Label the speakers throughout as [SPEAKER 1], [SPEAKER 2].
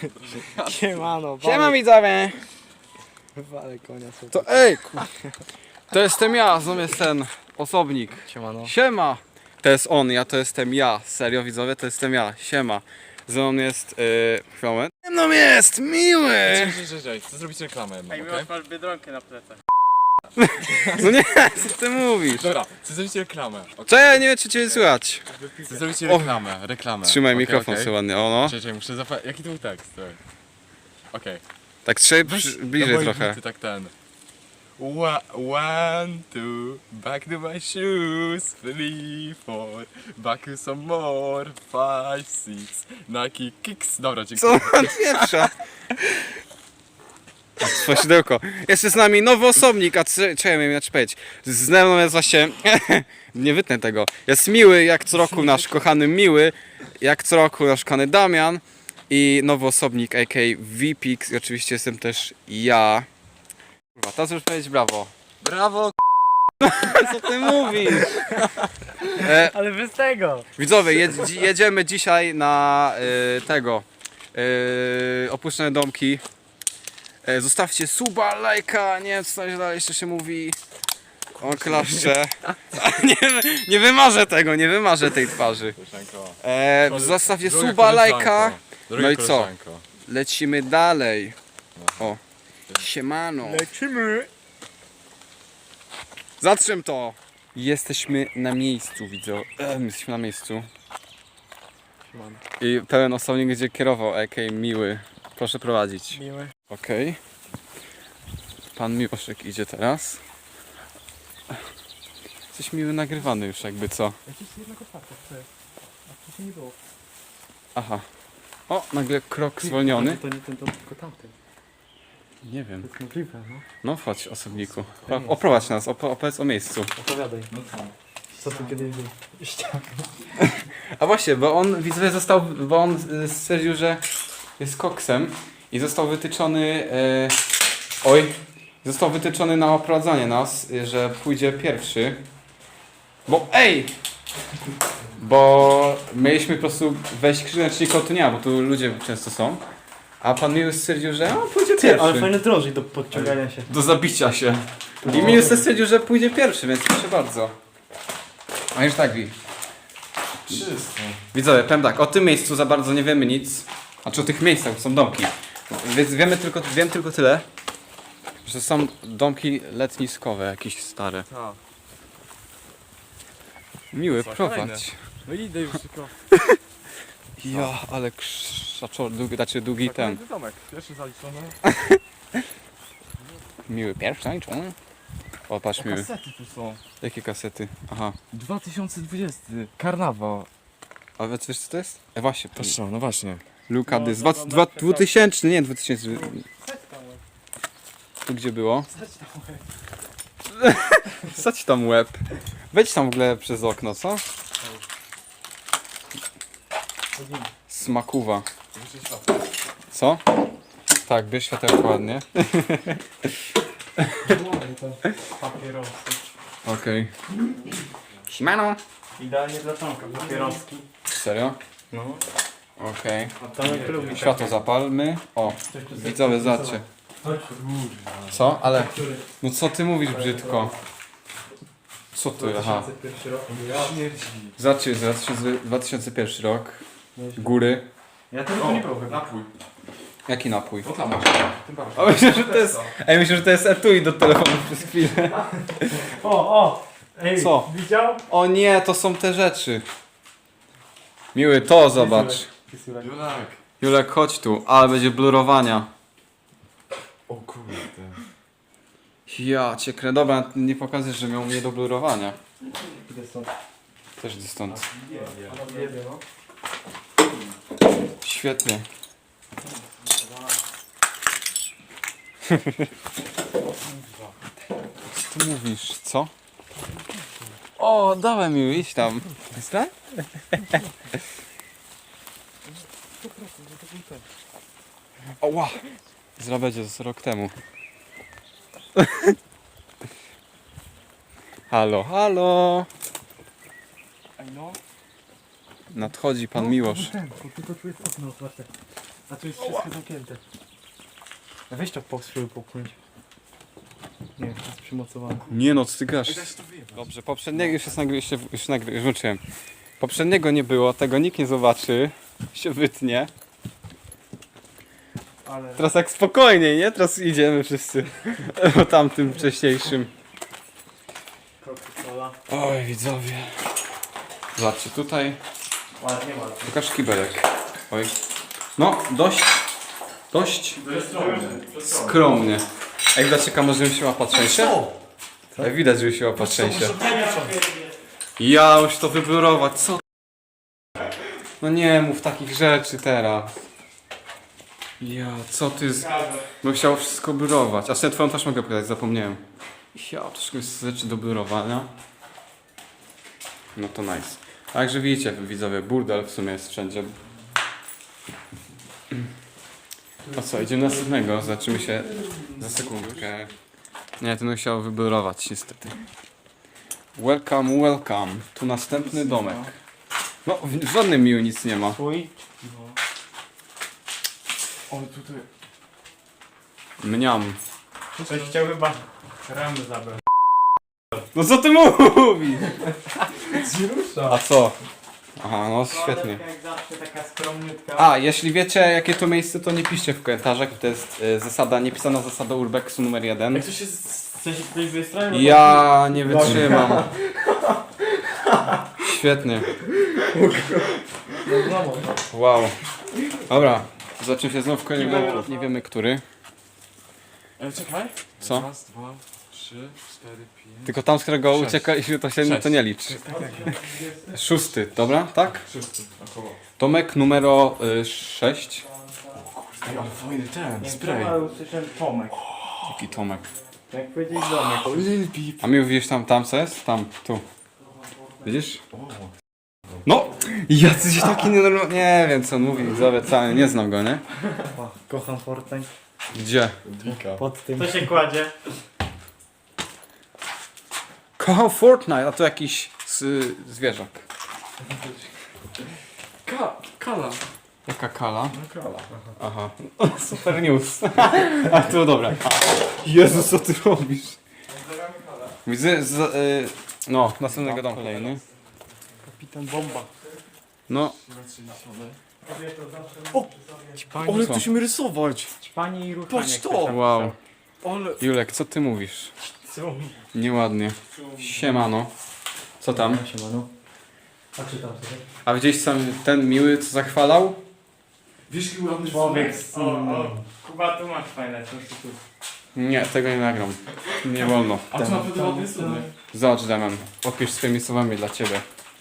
[SPEAKER 1] Siemano,
[SPEAKER 2] Siema widzowie!
[SPEAKER 1] wale konia sobie.
[SPEAKER 2] To ej! To jestem ja, znów jest ten osobnik.
[SPEAKER 1] Siemano.
[SPEAKER 2] Siema! To jest on, to jestem ja. Serio widzowie, to jestem ja. Siema. Ze mną jest... moment. Ze mną jest miły!
[SPEAKER 3] Cześć, chcę zrobić reklamę jedną,
[SPEAKER 1] Ej,
[SPEAKER 3] okej?
[SPEAKER 1] masz Biedronkę na plecach.
[SPEAKER 2] No nie, co ty mówisz?
[SPEAKER 3] Dobra, chcę zrobić reklamę. Okay?
[SPEAKER 2] Co ja nie wiem, czy cię słychać.
[SPEAKER 3] Chcę zrobić reklamę.
[SPEAKER 2] Trzymaj
[SPEAKER 3] Okej,
[SPEAKER 2] mikrofon
[SPEAKER 3] okej.
[SPEAKER 2] sobie ładnie, o no.
[SPEAKER 3] Czekaj, muszę zapamiętać. Jaki to był tekst? Okej.
[SPEAKER 2] Tak trzej
[SPEAKER 3] Weź
[SPEAKER 2] bliżej
[SPEAKER 3] na moje
[SPEAKER 2] trochę.
[SPEAKER 3] bity, tak ten. One, two, back to my shoes, 3, 4, back to some more, 5, 6, Nike kicks. Dobra,
[SPEAKER 2] Co
[SPEAKER 3] dziękuję.
[SPEAKER 2] on pieprza? Swasidełko. Jest z nami nowy osobnik, a czekaj, miałem inaczej powiedzieć. Z mną jest właśnie... nie wytnę tego. Jest Miły, jak co roku nasz kochany Miły. Jak co roku nasz kochany Damian. I nowy osobnik, a.k.a. VPix. I oczywiście jestem też ja. Kurwa, teraz już powiedzieć brawo.
[SPEAKER 3] Brawo!
[SPEAKER 2] Co ty mówisz?
[SPEAKER 1] Ale bez tego!
[SPEAKER 2] Widzowie, jedziemy dzisiaj na opuszczone domki. Zostawcie suba, lajka, nie wiem co tam dalej jeszcze się mówi. O klaszcze. nie wymarzę tego, nie wymarzę tej twarzy.
[SPEAKER 3] Koleżanko.
[SPEAKER 2] Zostawcie
[SPEAKER 3] Droga
[SPEAKER 2] suba, lajka.
[SPEAKER 3] koleżanko. Droga
[SPEAKER 2] No i co?
[SPEAKER 3] koleżanko.
[SPEAKER 2] Lecimy dalej. O. Siemano.
[SPEAKER 1] Lecimy!
[SPEAKER 2] Zatrzym to. Jesteśmy na miejscu, widzę. Jesteśmy na miejscu. I pełen osobnik będzie kierował, a.k.a. Miły. Proszę prowadzić.
[SPEAKER 1] Miły.
[SPEAKER 2] Okej. Pan Miłoszek idzie teraz. Jesteś Miły nagrywany już jakby co.
[SPEAKER 1] Jakiś jednak otwarty, co jest? A wcześniej nie było.
[SPEAKER 2] Aha. O, nagle krok zwolniony.
[SPEAKER 1] To nie ten, to tylko tamten.
[SPEAKER 2] Nie wiem.
[SPEAKER 1] To jest możliwe, no.
[SPEAKER 2] No chodź osobniku. Oprowadź nas, opowiedz o miejscu.
[SPEAKER 1] Opowiadaj.
[SPEAKER 3] No co?
[SPEAKER 1] Co tu kiedyś był? Ściana.
[SPEAKER 2] A właśnie, bo on widzowie stwierdził, że jest koksem i został wytyczony został wytyczony na oprowadzanie nas, że pójdzie pierwszy. Bo mieliśmy po prostu wejść krzyżem, czyli kotynia, bo tu ludzie często są. A pan Miły stwierdził, że pójdzie
[SPEAKER 1] Ty, ale
[SPEAKER 2] pierwszy.
[SPEAKER 1] fajne drożdżi do podciągania się.
[SPEAKER 2] Do zabicia się. I Miły stwierdził, że pójdzie pierwszy, więc proszę bardzo. A już tak,
[SPEAKER 3] Czysto.
[SPEAKER 2] widzowie, powiem tak, o tym miejscu za bardzo nie wiemy nic. Znaczy o tych miejscach, bo są domki. Więc wiem tylko tyle, że są domki letniskowe, jakieś stare.
[SPEAKER 3] Tak.
[SPEAKER 2] Miły,
[SPEAKER 3] Co,
[SPEAKER 2] prowadź.
[SPEAKER 3] kolejne? No idę już tylko.
[SPEAKER 2] Ja, ale krzaczor, długi ten.
[SPEAKER 3] Kolejny domek. Pierwszy zaliczony.
[SPEAKER 2] Miły, pierwszy zaliczony. O, patrz Miły.
[SPEAKER 3] Kasety tu są.
[SPEAKER 2] Jakie kasety? Aha.
[SPEAKER 3] 2020. Karnawał.
[SPEAKER 2] A wiesz co to jest? Właśnie,
[SPEAKER 3] Proszę, no właśnie.
[SPEAKER 2] Luka
[SPEAKER 1] No,
[SPEAKER 2] Dys.
[SPEAKER 1] to
[SPEAKER 2] 2000, nie 2000. Tu gdzie było? Wsadź tam łeb. Wejdź tam w ogóle przez okno, co? Smakuwa. Co? Tak, bierz światełko ładnie.
[SPEAKER 1] Papierosy.
[SPEAKER 2] Okej. Siemano.
[SPEAKER 1] Idealnie dla Tomka, papieroski.
[SPEAKER 2] Serio?
[SPEAKER 1] No.
[SPEAKER 2] Okej.
[SPEAKER 1] A Tomek lubi
[SPEAKER 2] Światło zapalmy. O, widzowie, zobaczcie. Co? Ale... No co ty mówisz brzydko? Co ty? Aha.
[SPEAKER 1] 2001 rok.
[SPEAKER 2] Zobaczcie, 2001 rok. Góry.
[SPEAKER 1] Ja tego nie było chyba.
[SPEAKER 3] Napój.
[SPEAKER 2] Jaki napój?
[SPEAKER 3] No tam masz. Tym bardziej.
[SPEAKER 2] A myślę, że to jest... Ej, myślę, że to jest etui do telefonu przez chwilę.
[SPEAKER 1] O! Ej,
[SPEAKER 2] Co?
[SPEAKER 1] widział?
[SPEAKER 2] O nie, to są te rzeczy. Miły, to zobacz.
[SPEAKER 1] Wysyłek.
[SPEAKER 3] Julek.
[SPEAKER 2] Julek, chodź tu, ale będzie blurowania.
[SPEAKER 3] O kurde.
[SPEAKER 2] Ja cię krę... Dobra, nie pokażesz, że miał mnie do blurowania.
[SPEAKER 1] Idę stąd.
[SPEAKER 2] Też idę stąd.
[SPEAKER 1] Nie wiem, no.
[SPEAKER 2] Świetnie. Co ty mówisz? Co? O, dałem mi, idź tam. Jest tak? Oła! Zrabedzie z rok temu. Halo, halo!
[SPEAKER 3] Ej no.
[SPEAKER 2] Nadchodzi pan Miłosz.
[SPEAKER 1] Tylko tu jest okno otwarte. A tu jest wszystko zamknięte. Weź to spróbuj popchnąć. Nie, to jest przymocowane.
[SPEAKER 2] Nie no, ty grasz. Dobrze, poprzedniego już włączyłem. Poprzedniego nie było, tego nikt nie zobaczy. Się wytnie.
[SPEAKER 1] Ale...
[SPEAKER 2] Teraz tak spokojniej, nie? Teraz idziemy wszyscy o tamtym wcześniejszym.
[SPEAKER 1] Coca-Cola.
[SPEAKER 2] Oj, widzowie. Zobaczcie, tutaj
[SPEAKER 1] Ładnie, ładnie.
[SPEAKER 2] pokaż kibelek. Oj. No, dość skromnie. Jak widać, kamerze się łapa trzęsie? Jak widać, że się łapa trzęsie. Ja już to wyblurować, co? No nie mów takich rzeczy teraz. Ja, co ty z... Bo chciał wszystko blurować. A sobie twoją też mogę pokazać, zapomniałem. Ja, troszkę jest rzeczy do blurowania. No to nice. Także widzicie, widzowie, burdel w sumie jest wszędzie. A co, idziemy na następnego, zobaczymy się za sekundkę. Nie, ten musiał wyblurować niestety. Welcome, welcome. Tu następny domek. No, w żadnym miu nic nie ma.
[SPEAKER 1] Twój? No. O, tutaj...
[SPEAKER 2] Mniam.
[SPEAKER 1] Ktoś chciał chyba ramy zabrać.
[SPEAKER 2] No co ty mówisz?
[SPEAKER 1] Zrusza.
[SPEAKER 2] A co? Aha, no świetnie.
[SPEAKER 1] Jak zawsze taka skromniutka.
[SPEAKER 2] A, jeśli wiecie jakie to miejsce, to nie piszcie w komentarzach. To jest zasada, niepisana zasada Urbexu numer 1.
[SPEAKER 1] Jak to się chce się ktoś wystronił?
[SPEAKER 2] Ja nie wytrzymam. Świetnie. Wow. Dobra, zobaczymy się znowu w kolejnym domku. Nie wiemy który.
[SPEAKER 3] Czekaj.
[SPEAKER 2] Co?
[SPEAKER 3] Raz, dwa, trzy, cztery, pięć.
[SPEAKER 2] Tylko tam, z którego
[SPEAKER 3] Sześć.
[SPEAKER 2] uciekaliśmy, to się to nie liczy.
[SPEAKER 3] Tak.
[SPEAKER 2] 6, dobra? Tak?
[SPEAKER 3] Wszyscy, około.
[SPEAKER 2] Domek numer 6.
[SPEAKER 3] Ej, ale fajny ten,
[SPEAKER 1] Nie,
[SPEAKER 3] spray.
[SPEAKER 1] ale usłyszałem Tomek.
[SPEAKER 2] Jaki Tomek?
[SPEAKER 1] Jak powiedzieć domek.
[SPEAKER 3] O, Lil Peep.
[SPEAKER 2] A mi widzisz tam co jest? Tam, tu. Widzisz? No! Jacyś taki nienormalny. Nie wiem co on mówi, widzowie, wcale nie znam go, nie?
[SPEAKER 1] O, kocham Fortnite.
[SPEAKER 2] Gdzie?
[SPEAKER 3] Dika.
[SPEAKER 1] Pod tym. Co się kładzie?
[SPEAKER 2] Kocham Fortnite, a to jakiś zwierzak.
[SPEAKER 3] Kala.
[SPEAKER 2] Jaka kala?
[SPEAKER 3] No kala.
[SPEAKER 2] Aha. Super news. A to dobra. Jezu, co ty robisz? Widzę, no, następnego domu kolejny.
[SPEAKER 1] Kapitan Bomba.
[SPEAKER 2] No,
[SPEAKER 3] Ale
[SPEAKER 2] Co?
[SPEAKER 3] ktoś mi rysować.
[SPEAKER 1] Ćpanie i ruchanie.
[SPEAKER 3] Patrz to!
[SPEAKER 1] ktoś tam
[SPEAKER 2] wow.
[SPEAKER 3] Ale...
[SPEAKER 2] Julek, co ty mówisz?
[SPEAKER 1] pisał.
[SPEAKER 2] Nieładnie. Siemano. Co tam?
[SPEAKER 1] Siemano. A czytam sobie.
[SPEAKER 2] A widziałeś sam ten miły, co zachwalał?
[SPEAKER 3] Wiesz, jaki ładny
[SPEAKER 1] Człowiek
[SPEAKER 3] rysunek?
[SPEAKER 1] z... Kuba, tu masz fajne coś tu.
[SPEAKER 2] Nie, tego nie nagram. Nie wolno.
[SPEAKER 3] A to naprawdę ładny rysunek.
[SPEAKER 2] Zobacz, Damian. Opisz swoimi słowami dla ciebie.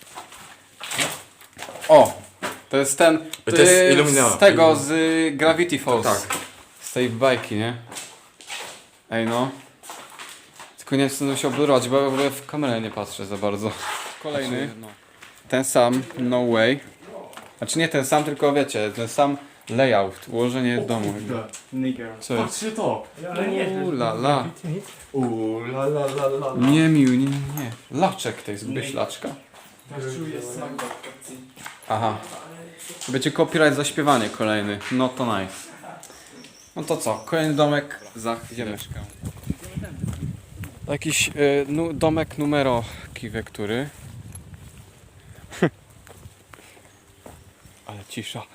[SPEAKER 2] O! To jest ten...
[SPEAKER 3] To jest Illumina.
[SPEAKER 2] Z tego, z Gravity Falls.
[SPEAKER 3] Tak.
[SPEAKER 2] Z tej bajki, nie? Ej no. Tylko nie chcę się oblurować, bo ja w ogóle w kamerę nie patrzę za bardzo. Kolejny. Ten sam, no way. Znaczy nie ten sam, tylko wiecie, ten sam layout, ułożenie domu.
[SPEAKER 1] Nigger.
[SPEAKER 2] Co jest?
[SPEAKER 3] Patrzcie to.
[SPEAKER 1] Ale nie,
[SPEAKER 2] La la.
[SPEAKER 3] La la la la la.
[SPEAKER 2] Nie mił, nie. Laczek tej, zgubisz laczka.
[SPEAKER 3] Czuję smak wakacji.
[SPEAKER 2] Aha. Będzie copyright za śpiewanie kolejny. No to nice. No to co? Kolejny domek za chwileczkę. Jakiś domek numero kiwie, który. Ale cisza.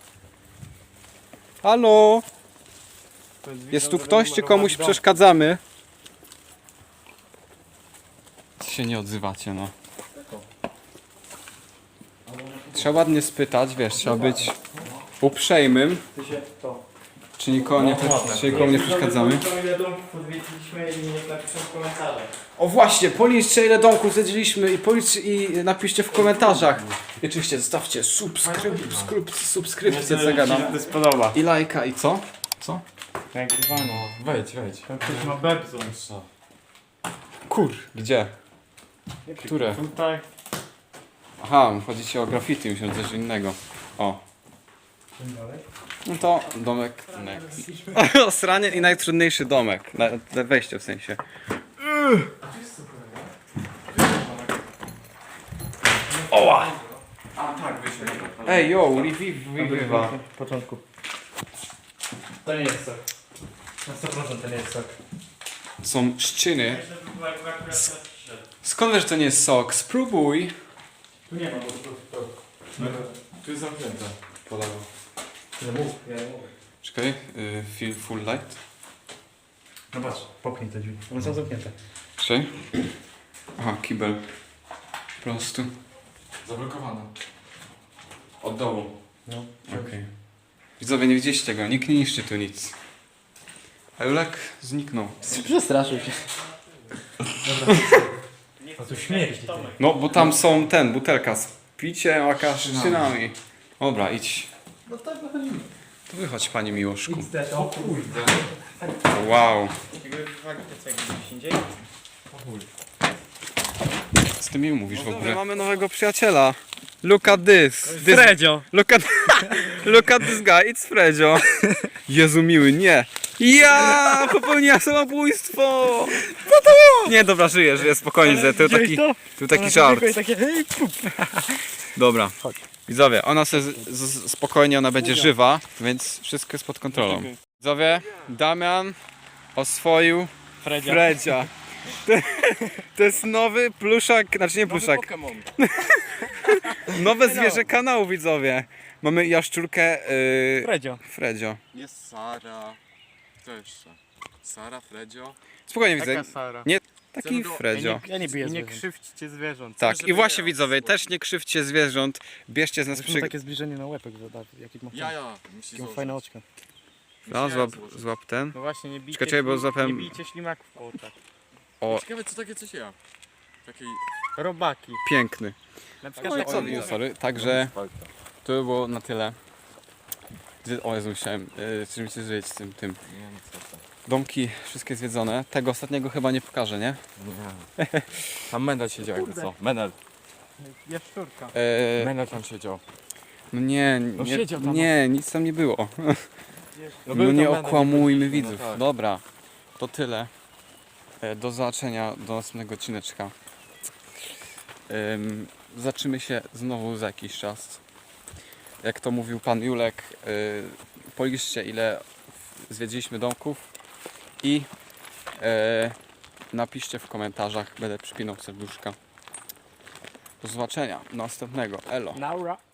[SPEAKER 2] Halo? Jest tu ktoś, czy komuś przeszkadzamy? Się nie odzywacie, no. Trzeba ładnie spytać, wiesz, trzeba być uprzejmym,
[SPEAKER 1] Ty się to.
[SPEAKER 2] czy nikomu nie przeszkadzamy.
[SPEAKER 1] Ile domków odwiedziliśmy i niech napiszą w komentarzach.
[SPEAKER 2] O właśnie, policzcie ile domków zwiedziliśmy i napiszcie w komentarzach. I oczywiście zostawcie subskrypcję, co gadam.
[SPEAKER 1] to spodoba.
[SPEAKER 2] I lajka i co? Co?
[SPEAKER 1] Nagrywano.
[SPEAKER 3] Wejdź.
[SPEAKER 1] Tam ktoś ma bebzą.
[SPEAKER 2] Kur. Gdzie? Które?
[SPEAKER 1] Tutaj.
[SPEAKER 2] Aha, chodzi ci o graffiti, myślę, że coś innego. O. No to domek next. Osranie i najtrudniejszy domek. Na wejście w sensie. Oła!
[SPEAKER 3] A tak, wyślę.
[SPEAKER 2] Ej, yo, Riviva.
[SPEAKER 1] W początku. To nie jest sok. Na 100% to nie jest sok.
[SPEAKER 2] Są szczyny. Skąd wiesz, że to nie jest sok? Spróbuj.
[SPEAKER 1] Tu nie ma, bo to.
[SPEAKER 3] Tu jest zamknięte.
[SPEAKER 2] Po lewo.
[SPEAKER 1] No mów, ja mówię.
[SPEAKER 2] Czekaj, feel full light.
[SPEAKER 1] No patrz, popchnij te drzwi. One są zamknięte.
[SPEAKER 2] Czekaj. Aha, kibel. Po prostu.
[SPEAKER 3] Zablokowane.
[SPEAKER 2] Od dołu.
[SPEAKER 1] No.
[SPEAKER 2] Okej. Widzowie, nie widzieliście tego, nikt nie niszczy tu nic. A Julek zniknął.
[SPEAKER 1] Przestraszył się. Dobra. A tu śmierdzi.
[SPEAKER 2] No, bo tam są butelka z piciem, a szynami. Dobra, idź.
[SPEAKER 1] No tak wychodzimy.
[SPEAKER 2] To wychodź, panie Miłoszku.
[SPEAKER 1] XD, o kurde.
[SPEAKER 2] Wow. Z tym mi mówisz w ogóle. Mamy nowego przyjaciela. Look at this.
[SPEAKER 1] Fredzio.
[SPEAKER 2] Look at this guy, it's Fredzio. Jezu miły, nie. Ja popełniłem samobójstwo. Co to było? Nie, dobra, żyję, spokojnie. To taki żart. Dobra. Widzowie, ona spokojnie, ona będzie żywa, więc wszystko jest pod kontrolą. Widzowie, Damian oswoił Fredzia. To jest nowy pluszak, znaczy nie pluszak,
[SPEAKER 3] Pokémon.
[SPEAKER 2] nowe zwierzę kanału, widzowie. Mamy jaszczurkę
[SPEAKER 1] Fredzio.
[SPEAKER 3] Jest Sara. Kto jeszcze? Sara, Fredzio.
[SPEAKER 2] Spokojnie widzę.
[SPEAKER 1] Sara?
[SPEAKER 2] Nie, taki
[SPEAKER 3] Zero-
[SPEAKER 2] Fredzio.
[SPEAKER 1] Ja nie biję
[SPEAKER 4] Nie
[SPEAKER 1] zwierząt.
[SPEAKER 4] krzywdźcie zwierząt.
[SPEAKER 2] Tak,
[SPEAKER 3] żeby
[SPEAKER 2] i właśnie
[SPEAKER 3] ja-
[SPEAKER 2] widzowie, też nie krzywdźcie zwierząt, bierzcie z nas
[SPEAKER 1] Zresztą
[SPEAKER 2] przykład.
[SPEAKER 1] takie zbliżenie na łepek, że da, jaki ma
[SPEAKER 3] Musisz
[SPEAKER 1] jakie ma fajne oczka.
[SPEAKER 2] No, złap ten.
[SPEAKER 4] No właśnie, nie bijcie,
[SPEAKER 2] Czekaj, bo złapałem-
[SPEAKER 4] nie bijcie ślimaków po oczach.
[SPEAKER 2] O,
[SPEAKER 3] Ciekawe co takie coś ja. Takiej...
[SPEAKER 4] Robaki.
[SPEAKER 2] piękny.
[SPEAKER 4] Na przykład
[SPEAKER 2] No i
[SPEAKER 4] takie
[SPEAKER 2] co,
[SPEAKER 4] one.
[SPEAKER 2] sorry, także to by było na tyle. O Jezu, musiałem czymś się żyć z tym.
[SPEAKER 3] Nie no co to.
[SPEAKER 2] Domki wszystkie zwiedzone. Tego ostatniego chyba nie pokażę, nie?
[SPEAKER 3] Nie. Tam Menel siedział jakby co. Menel.
[SPEAKER 4] Jaszczurka.
[SPEAKER 3] Menel tam siedział.
[SPEAKER 2] No nie,
[SPEAKER 3] No
[SPEAKER 2] nie,
[SPEAKER 3] siedział tam.
[SPEAKER 2] nie, nic tam nie było. No
[SPEAKER 3] był
[SPEAKER 2] nie
[SPEAKER 3] tam Menel,
[SPEAKER 2] okłamujmy
[SPEAKER 3] nie
[SPEAKER 2] widzów.
[SPEAKER 3] byliśmy, no tak.
[SPEAKER 2] Dobra, to tyle. Do zobaczenia do następnego odcineczka. Zobaczymy się znowu za jakiś czas. Jak to mówił pan Julek, policzcie ile zwiedziliśmy domków i napiszcie w komentarzach, będę przypinał serduszka. Do zobaczenia, następnego, elo.
[SPEAKER 4] Naura.